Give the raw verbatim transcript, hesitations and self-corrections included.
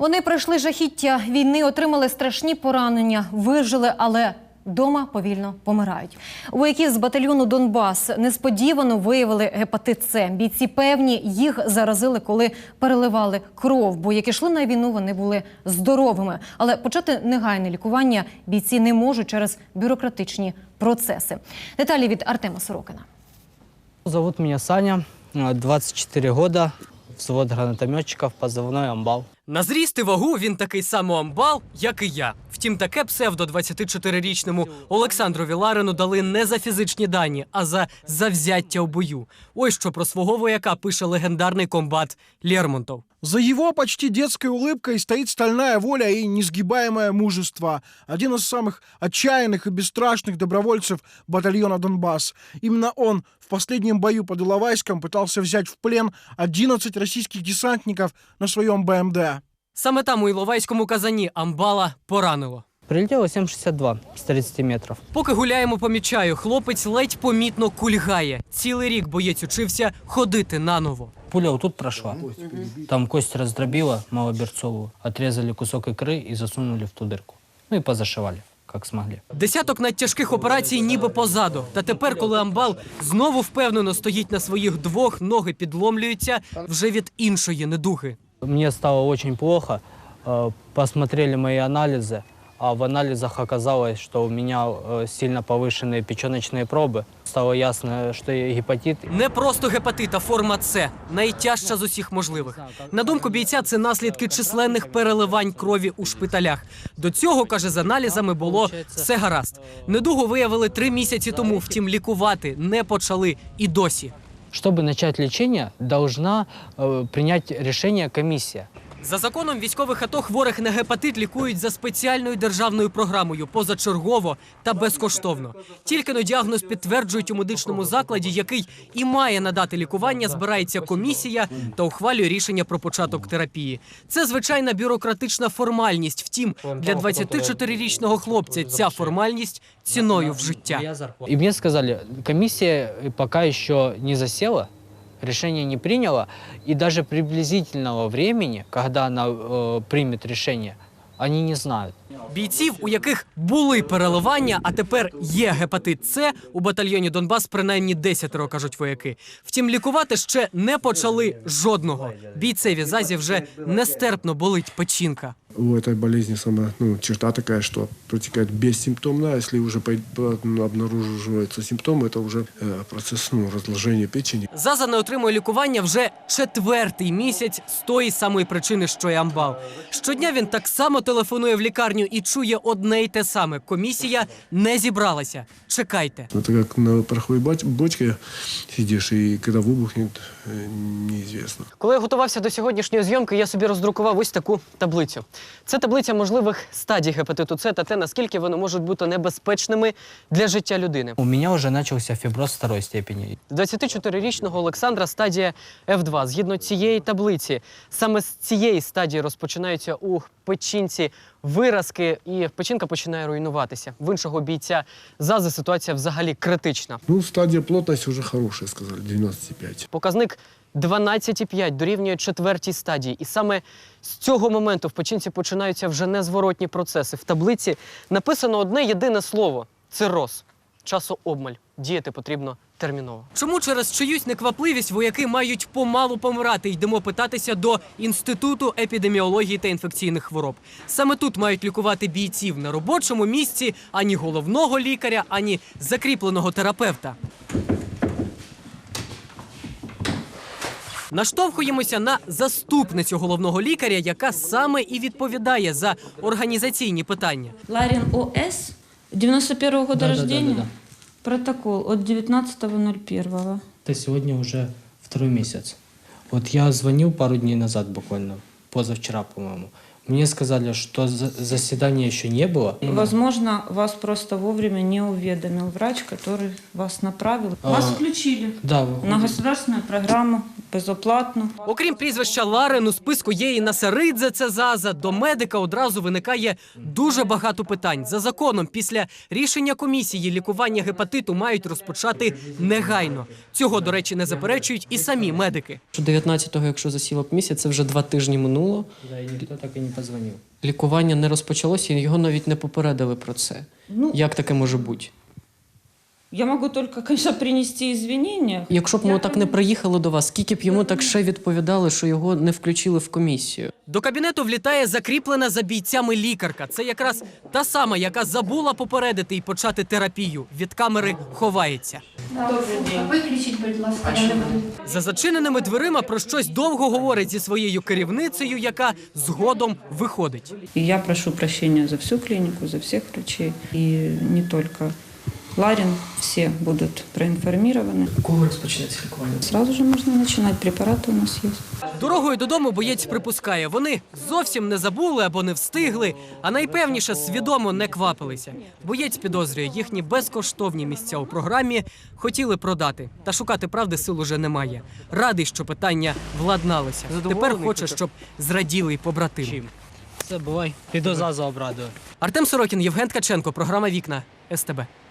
Вони пройшли жахіття війни, отримали страшні поранення, вижили, але дома повільно помирають. У вояків з батальйону «Донбас» несподівано виявили гепатит С. Бійці певні, їх заразили, коли переливали кров, бо як ішли на війну, вони були здоровими. Але почати негайне лікування бійці не можуть через бюрократичні процеси. Деталі від Артема Сорокина. Зовут меня Саня, двадцать четыре года, взвод гранатометчиков, позывной «Амбал». На зріст і вагу він такий самий амбал, як і я. Втім, таке псевдо двадцятичотирирічному Олександрові Ларину дали не за фізичні дані, а за завзяття в бою. Ось що про свого вояка пише легендарний комбат Лермонтов. За его почти детской улыбкой стоит стальная воля и несгибаемое мужество. Один из самых отчаянных и бесстрашных добровольцев батальона «Донбас». Именно он в последнем бою под Иловайском пытался взять в плен одиннадцать российских десантников на своем Б М Д. Саме там у Іловайському казані амбала поранило. Прилетело семь шестьдесят два с тридцати метров. Поки гуляємо по Мічаю, хлопець ледь помітно кульгає. Цілий рік боєць учився ходити наново. Пуля вот тут прошла, там кость раздробила малоберцовую, отрезали кусок икры и засунули в ту дырку. Ну и позашивали, как смогли. Десяток надтяжких операцій ніби позаду. Та тепер, коли амбал знову впевнено стоїть на своїх двох, ноги підломлюються вже від іншої недуги. Мне стало очень плохо, посмотрели мои анализы, а в анализах оказалось, что у меня сильно повышенные печеночные пробы. Стало ясно, что я гепатит. Не просто гепатит, а форма С. Найтяжча з усіх можливих. На думку бійця, це наслідки численних переливань крові у шпиталях. До цього, каже, з аналізами було все гаразд. Недугу виявили три місяці тому, втім лікувати не почали і досі. Чтобы начать лечение, должна э, принять решение комиссия. За законом військових АТО хворих на гепатит лікують за спеціальною державною програмою, позачергово та безкоштовно. Тільки но діагноз підтверджують у медичному закладі, який і має надати лікування, збирається комісія та ухвалює рішення про початок терапії. Це звичайна бюрократична формальність. Втім, для двадцятичотирирічного хлопця ця формальність ціною в життя. И мне сказали, комиссия пока еще не засела, решение не приняла, и даже приблизительного времени, когда она э, примет решение, они не знают. Бійців, у яких були переливання, а тепер є гепатит С, у батальйоні «Донбас» принаймні десятеро, кажуть вояки. Втім, лікувати ще не почали жодного. Бійцеві зазі вже нестерпно болить печінка. У этой болезни сама ну, черта такая, что протекает бессимптомно, а если уже обнаруживаются симптомы, это уже э, процесс ну, разложения печени. Заза не отримує лікування вже четвертий місяць з тої самої причини, що й амбал. Щодня він так само телефонує в лікарню і чує одне й те саме. Комісія не зібралася. Чекайте. Это как на пороховой бочке сидишь, и когда выбухнет, неизвестно. Коли я готувався до сьогоднішньої зйомки, я собі роздрукував ось таку таблицю. Це таблиця можливих стадій гепатиту С та те, наскільки вони можуть бути небезпечними для життя людини. У меня уже начался фиброз второй степени. двадцятичотирирічного Олександра стадія Ф два. Згідно цієї таблиці, саме з цієї стадії розпочинаються у печінці виразки, і печінка починає руйнуватися. В іншого бійця Зази ситуація взагалі критична. Ну, стадия плотности уже хорошая, сказали, девяносто пять. Показник дванадцять цілих п'ять дорівнює четвертій стадії. І саме з цього моменту в печінці починаються вже незворотні процеси. В таблиці написано одне єдине слово – цироз. Часообмаль. Діяти потрібно терміново. Чому через чиюсь неквапливість вояки мають помалу помирати? Йдемо питатися до Інституту епідеміології та інфекційних хвороб. Саме тут мають лікувати бійців на робочому місці ані головного лікаря, ані закріпленого терапевта. Наштовхуємося на заступницю головного лікаря, яка саме і відповідає за організаційні питання. Ларин О С, девяносто первого года Да, да, рождения, да, да, да. протокол от девятнадцатого ноль первого. Это сегодня уже второй месяц. Вот я звонил пару дней назад буквально, позавчера, по-моему. Мне сказали, что заседания еще не было. Возможно, вас просто вовремя не уведомил врач, который вас направил. А, Вас включили да, на государственную программу безоплатно. Окрім прізвища Ларин, у списку є і Насаридзе Цезаза. До медика одразу виникає дуже багато питань. За законом, після рішення комісії лікування гепатиту мають розпочати негайно. Цього, до речі, не заперечують і самі медики. дев'ятнадцятого, якщо засіла комісія, це вже два тижні минуло. Да, и никто так и не позвонил. Лікування не розпочалося, і його навіть не попередили про це. Ну, Як таке може бути? я могу только, конечно, принести извинения. Якщо б ми так не приїхали до вас, скільки б йому так ще відповідали, що його не включили в комісію? До кабінету влітає закріплена за бійцями лікарка. Це якраз та сама, яка забула попередити і почати терапію. Від камери ховається. Виключіть, будь ласка, я не буду. За зачиненими дверима про щось довго говорить зі своєю керівницею, яка згодом виходить. И я прошу прощения за всю клинику, за всех врачей. И не только Ларин, все будут проинформированы. Кого розпочнеться лікування? Сразу же можно начинать, препараты у нас есть. Дорогою додому боєць припускає, вони зовсім не забули або не встигли, а найпевніше свідомо не квапилися. Боєць підозрює, їхні безкоштовні місця у програмі хотіли продати. Та шукати правди сил уже немає. Радий, що питання владналося. Тепер хоче, щоб зраділи й побратими. Чим? Це бувай. Піду зазу обрадую. Артем Сорокін, Євген Ткаченко, програма «Вікна», ес те бе.